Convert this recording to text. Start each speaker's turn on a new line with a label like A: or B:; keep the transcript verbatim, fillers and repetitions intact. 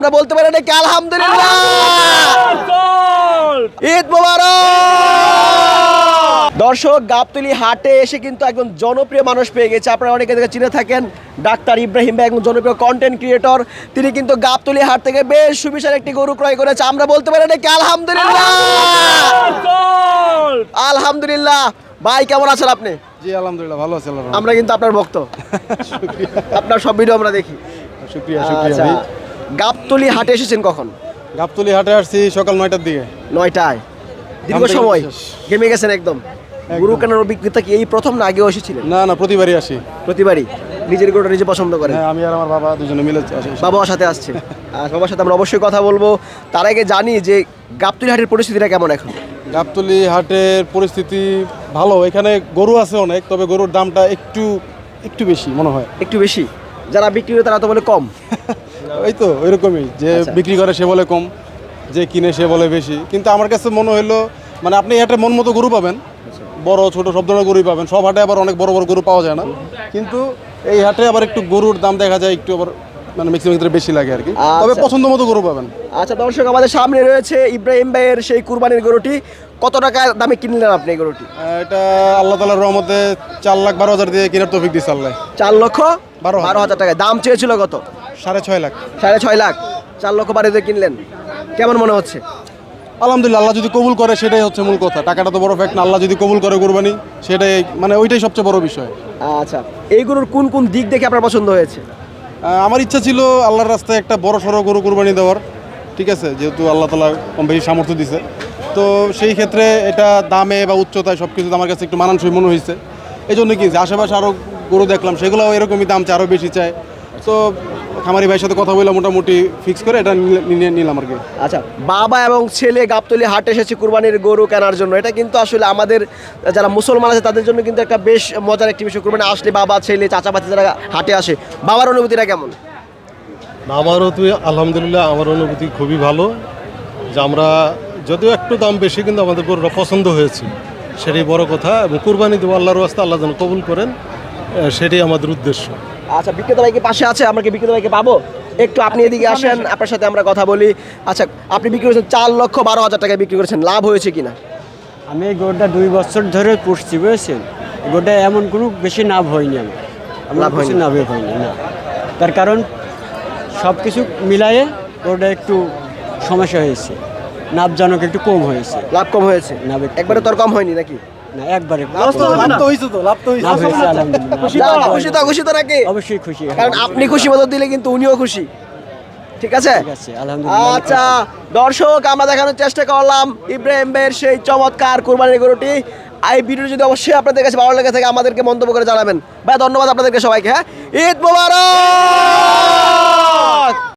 A: আমরা বলতে পারি নাকি আলহামদুলিল্লাহ, ঈদ মোবারক। দর্শক, গাবতলী হাটে এসে কিন্তু একজন জনপ্রিয় মানুষ পেয়ে গেছে। আপনারা অনেকে দেখে চিনে থাকেন, ডাক্তার ইব্রাহিম ভাই একজন জনপ্রিয় কন্টেন্ট ক্রিয়েটর। তিনি কিন্তু গাবতলী হাট থেকে বেশ সুবিশাল একটি গরু ক্রয় করেছে। আমরা বলতে পারি নাকি আলহামদুলিল্লাহ, আলহামদুলিল্লাহ। ভাই কেমন আছেন আপনি?
B: জি আলহামদুলিল্লাহ ভালো আছি।
A: আমরা কিন্তু আপনার ভক্ত, আপনার সব ভিডিও আমরা দেখি।
B: শুকরিয়া শুকরিয়া ভাই।
A: গাবতলী হাটে এসেছেন কখন?
B: গাবতলী হাটে আসছি সকাল নয়টার দিকে।
A: নয়টায় দীর্ঘ সময় গেমে গেছেন একদম। গরু কেনার অভিজ্ঞতা কি এই প্রথম না আগেও এসেছিলেন?
B: না না প্রতিবারই আসি।
A: প্রতিবারই নিজের গরুটা নিজে পছন্দ করেন?
B: হ্যাঁ, আমি আর আমার বাবা দুজনে মিলে আসি।
A: বাবার সাথে আসছে। আর বাবার সাথে আমরা অবশ্যই কথা বলবো। তার আগে জানি যে গাবতলী হাটের পরিস্থিতিটা কেমন এখন?
B: গাবতলী হাটের পরিস্থিতি ভালো। এখানে গরু আছে অনেক, তবে গরুর দামটা একটু একটু বেশি মনে হয়।
A: একটু বেশি? যারা বিক্রি করে তারা তো বলে কম।
B: ওই তো ওইরকমই, যে
A: আচ্ছা।
B: বিক্রি করে সে বলে কম, যে কিনে সে বলে বেশি। কিন্তু আমার কাছে মনে হলো মানে আপনি হাটে মন মতো গরু পাবেন, বড় ছোট সব ধরনের গরুই পাবেন। সব হাটে আবার অনেক বড় বড় গরু পাওয়া যায় না, কিন্তু এই হাটে আবার একটু গরুর দাম দেখা যায় একটু আবার মানে ম্যাক্সিমাম ক্ষেত্রে বেশি লাগে আর কি। তবে
A: আচ্ছা।
B: পছন্দ মতো গরু পাবেন।
A: আচ্ছা দর্শক, আমাদের সামনে রয়েছে ইব্রাহিম ভাইয়ের সেই কুরবানির গরুটি। কত টাকা দামে কিনলেন আপনি এই গরুটি?
B: আহ, এটা আল্লাহ তাআলার রহমতে চার লাখ বারো হাজার দিয়ে কেনার তৌফিক দিচ্ছে আল্লাহ।
A: চার লক্ষ
B: বারো হাজার।
A: বারো হাজার টাকা দাম চেয়েছিল। কত?
B: সাড়ে ছয় লাখ।
A: সাড়ে ছয় লাখ। চার লক্ষ বারো দিয়ে কিনলেন, কেমন মনে হচ্ছে?
B: আলহামদুলিল্লাহ, আল্লাহ যদি কবুল করে সেটাই হচ্ছে মূল কথা। টাকাটা তো বড় ফ্যাক্ট না, আল্লাহ যদি কবুল করে কুরবানি সেটাই মানে ওইটাই সবচেয়ে বড় বিষয়।
A: আচ্ছা, এই গরুর কোন কোন দিক দেখে আপনার পছন্দ হয়েছে?
B: আহ, আমার ইচ্ছা ছিল আল্লাহর রাস্তায় একটা বড় সড়ো গরু কুরবানি দেওয়ার, ঠিক আছে, যেহেতু আল্লাহ তাআলা কম বেশি সামর্থ্য দিছে। তো সেই ক্ষেত্রে এটা দামে বা উচ্চতায় সব কিছুতে আমার কাছে একটু মানানসই মনে হয়েছে। এই জন্য কিনছি। আশেপাশে আরও গরু দেখলাম, সেগুলোও এরকমই দাম চায়, আরও বেশি চায়। তো খামারি ভাইয়ের সাথে কথা বলে মোটামুটি ফিক্স করে এটা নিয়ে নিলাম আর কি।
A: আচ্ছা, বাবা এবং ছেলে গাবতলী হাটে এসেছে কুরবানির গরু কেনার জন্য। এটা কিন্তু আসলে আমাদের যারা মুসলমান আছে তাদের জন্য কিন্তু একটা বেশ মজার একটি বিষয়। কুরবানি আসলে বাবা ছেলে চাচাপাতি যারা হাটে আসে, বাবার অনুভূতিটা কেমন?
C: আমারও তো আলহামদুলিল্লাহ, আমার অনুভূতি খুবই ভালো। যে আমরা যদিও একটু দাম বেশি, কিন্তু আমাদের গরুটা পছন্দ হয়েছে, সেটাই বড় কথা। এবং কুরবানি দেবো আল্লাহর রাস্তা, আল্লাহ যেন কবুল করেন, আহ, সেটাই আমাদের উদ্দেশ্য।
A: আচ্ছা, বিক্রেতা ভাইকে পাশে আছে, আমরা কি বিক্রেতা ভাইকে পাবো? একটু আপনি এদিকে আসেন, আপনার সাথে আমরা কথা বলি। আচ্ছা, আপনি বিক্রি করেছেন চার লক্ষ বারো হাজার টাকায় বিক্রি করেছেন, লাভ হয়েছে কিনা?
D: আমি এই গরুটা দুই বছর ধরে পুষছি, বুঝেছেন। গরুটা এমন কোনো বেশি লাভ হয়নি আমার, আমার
A: লাভ
D: বেশি
A: হয়নি?
D: লাভ হয়নি না। তার কারণ সব কিছু মিলায়ে গরুটা একটু সমস্যা হয়েছে, লাভজনক একটু কম হয়েছে।
A: লাভ কম হয়েছে?
D: লাভ একটু
A: একবারে তোর কম হয়নি নাকি?
D: না, একবারে
B: লাভ তো হয়েছে, তো লাভ তো হয়েছে।
D: লাভ হয়েছে আলহামদুলিল্লাহ।
A: যাক, খুশি তো? খুশি তো নাকি?
D: অবশ্যই খুশি,
A: কারণ আপনি খুশি মতো দিলে কিন্তু উনিও খুশি, ঠিক আছে?
D: ঠিক আছে আলহামদুলিল্লাহ।
A: আচ্ছা দর্শক, আমরা দেখানোর চেষ্টা করলাম ইব্রাহিম ভাইয়ের সেই চমৎকার কুরবানির গরুটি। এই ভিডিও যদি অবশ্যই আপনাদের কাছে ভালো লেগে থাকে আমাদেরকে মন্তব্য করে জানাবেন। ভাই ধন্যবাদ আপনাদেরকে সবাইকে। হ্যাঁ, ঈদ মোবারক।